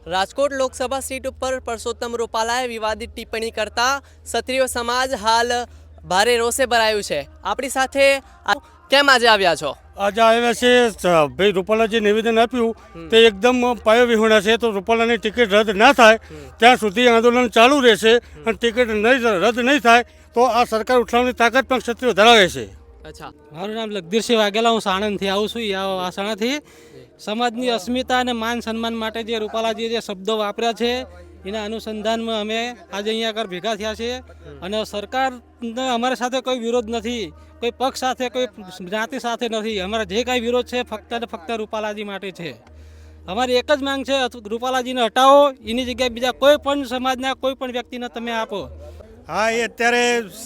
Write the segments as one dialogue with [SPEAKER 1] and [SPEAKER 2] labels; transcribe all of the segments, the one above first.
[SPEAKER 1] Rajkot Lok Sabha seat ઉપર પરસોત્તમ રૂપાલાએ વિવાદિત ટિપ્પણી કરતા ક્ષત્રિય સમાજ હાલ ભારે રોષે ભરાયું છે। આપણી સાથે કેમ આજે આવ્યા છો?
[SPEAKER 2] આજે આવ્યા છે ભાઈ રૂપાલા જે નિવેદન આપ્યું તે એકદમ પાયો વિહોણા છે, તો રૂપાલાની ટિકિટ રદ ના થાય ત્યાં સુધી આંદોલન ચાલુ રહેશે અને ટિકિટ રદ નહીં થાય તો આ સરકાર ઉઠાવવાની તાકાત પણ ક્ષત્રિયો ધરાવે છે।
[SPEAKER 1] અચ્છા,
[SPEAKER 3] મારું નામ લગદીરસિંહ વાઘેલા, હું સાણંદથી આવું છું। વાસણાથી સમાજની અસ્મિતા અને માન સન્માન માટે જે રૂપાલાજી જે શબ્દો વાપર્યા છે એના અનુસંધાનમાં અમે આજે અહીંયા આગળ ભેગા થયા છીએ અને સરકારને અમારી સાથે કોઈ વિરોધ નથી, કોઈ પક્ષ સાથે, કોઈ જ્ઞાતિ સાથે નથી। અમારા જે કાંઈ વિરોધ છે ફક્ત ને ફક્ત રૂપાલાજી માટે છે। અમારી એક જ માંગ છે, રૂપાલાજીને હટાવો, એની જગ્યાએ બીજા કોઈ પણ સમાજના કોઈ પણ વ્યક્તિને તમે આપો।
[SPEAKER 4] હા, એ અત્યારે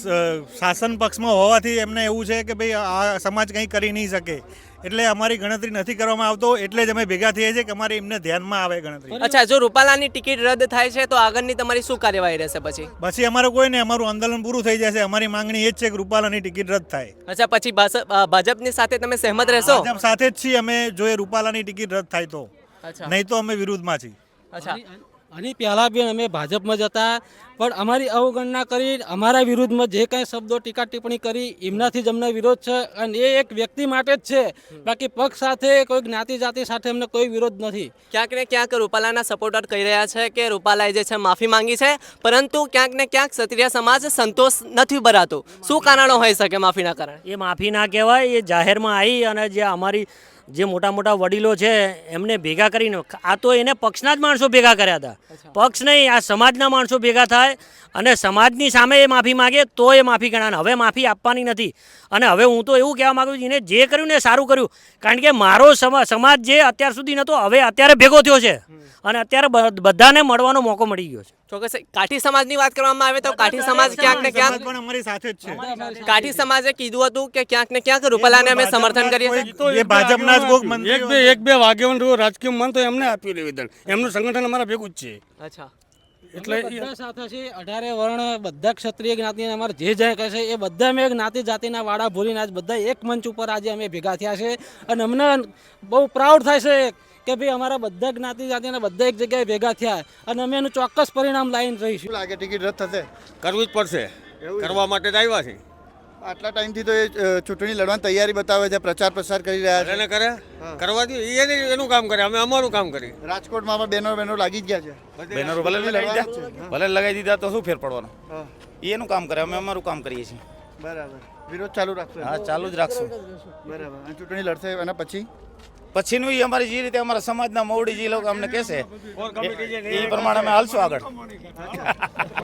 [SPEAKER 4] શાસન પક્ષમાં હોવાથી એમને એવું છે કે ભાઈ આ સમાજ કંઈ કરી નહીં શકે, એટલે અમારી ગણતરી નથી કરવામાં આવતો, એટલે જ અમે ભેગા થઈએ છીએ કે અમારે એમને ધ્યાનમાં આવે ગણતરી।
[SPEAKER 1] અચ્છા, જો રૂપાલાની ટિકિટ રદ થાય છે તો આગળની તમારી શું કાર્યવાહી રહેશે?
[SPEAKER 4] પછી અમારે કોઈ નહીં, અમારું આંદોલન પૂરું થઈ જશે। અમારી માંગણી એ જ છે કે રૂપાલાની ટિકિટ રદ થાય।
[SPEAKER 1] અચ્છા, પછી ભાજપની સાથે તમે સહેમત રહેશો?
[SPEAKER 4] ભાજપ સાથે જ છીએ અમે, જો એ રૂપાલાની ટિકિટ રદ થાય તો,
[SPEAKER 1] અચ્છા,
[SPEAKER 4] નહીં તો અમે વિરુદ્ધમાં છીએ।
[SPEAKER 1] અચ્છા,
[SPEAKER 3] આની પહેલાં બી અમે ભાજપમાં જતા પણ અમારી અવગણના કરી, અમારા વિરુદ્ધમાં જે કાંઈ શબ્દો ટીકા ટિપ્પણી કરી એમનાથી જ અમને વિરોધ છે અને એ એક વ્યક્તિ માટે જ છે, બાકી પક્ષ સાથે કોઈ જ્ઞાતિ જાતિ સાથે અમને કોઈ વિરોધ નથી।
[SPEAKER 1] ક્યાંક ને ક્યાંક રૂપાલાના સપોર્ટર કહી રહ્યા છે કે રૂપાલાએ જે છે માફી માંગી છે, પરંતુ ક્યાંક ને ક્યાંક ક્ષત્રિય સમાજ સંતોષ નથી ભરાતો। શું કારણો હોઈ શકે માફીના કારણે?
[SPEAKER 5] એ માફી ના કહેવાય, એ જાહેરમાં આવી અને જે અમારી જે મોટા મોટા વડીલો છે એમને ભેગા કરીને, આ તો એને પક્ષના જ માણસો ભેગા કર્યા હતા, પક્ષ નહીં, આ સમાજના માણસો ભેગા થાય અને સમાજની સામે એ માફી માગે તો એ માફી ગણાય। હવે માફી આપવાની નથી અને હવે હું તો એવું કહેવા માગું છું, એને જે કર્યું ને સારું કર્યું, કારણ કે મારો સમાજ જે અત્યાર સુધી નહોતો હવે અત્યારે ભેગો થયો છે અને અત્યારે બધાને મળવાનો મોકો મળી ગયો છે।
[SPEAKER 1] ચોક્કસ કાઠી સમાજની વાત કરવામાં આવે તો કાઠી સમાજ ક્યાંક ને ક્યાંક
[SPEAKER 4] પણ અમારી સાથે જ છે।
[SPEAKER 1] કાઠી સમાજે કીધું હતું કે ક્યાંક ને ક્યાંક રૂપાલાને અમે સમર્થન કરીએ છીએ।
[SPEAKER 4] એ ભાજપના જ કોઈક મંત્રી
[SPEAKER 2] એક બે વાગ્યવન રાજકીય મન તો એમને આપ્યું નિવેદન, એમનું સંગઠન અમારા ભેગું જ છે।
[SPEAKER 1] અચ્છા,
[SPEAKER 3] એટલે બધા સાથે છે, 18 વર્ણ બધા ક્ષત્રિય જ્ઞાતિના અમારે જે જાય કહે છે એ બધા અમે જ્ઞાતિ જાતિના વાડા ભૂલીને આજ બધા એક મંચ ઉપર આજે અમે ભેગા થયા છે અને અમને બહુ પ્રાઉડ થાય છે કે ભાઈ અમારા બધા જ્ઞાતિ જાતિના બધા એક જગ્યાએ ભેગા થયા અને અમે એનું ચોક્કસ પરિણામ લાવીને રહીશું।
[SPEAKER 6] લાગે ટિકિટ રદ થશે?
[SPEAKER 7] કરવું જ પડશે, કરવા માટે જ આવ્યા છે।
[SPEAKER 6] આટલા ટાઈમથી તો એ ચૂંટણી લડવાની તૈયારી બતાવે છે, પ્રચાર પ્રસાર કરી રહ્યા છે।
[SPEAKER 7] એને કરે કરવા દો, એનું કામ કરે, અમે અમારું કામ કરીએ।
[SPEAKER 6] રાજકોટમાં પણ બેનરો લાગી જ ગયા છે।
[SPEAKER 8] બેનરો ભલે લગાવી દીધા તો શું ફેર પડવાનો? એનું કામ કરે, અમે અમારું કામ કરીએ છીએ।
[SPEAKER 6] બરાબર, વિરોધ ચાલુ રાખશો?
[SPEAKER 8] હા, ચાલુ જ રાખશું।
[SPEAKER 6] બરાબર, અને ચૂંટણી લડશે એના
[SPEAKER 8] પછીનું અમારી જે રીતે અમારા સમાજના મોવડી જે લોકો અમને કહેશે એ પ્રમાણે અમે હાલશું આગળ।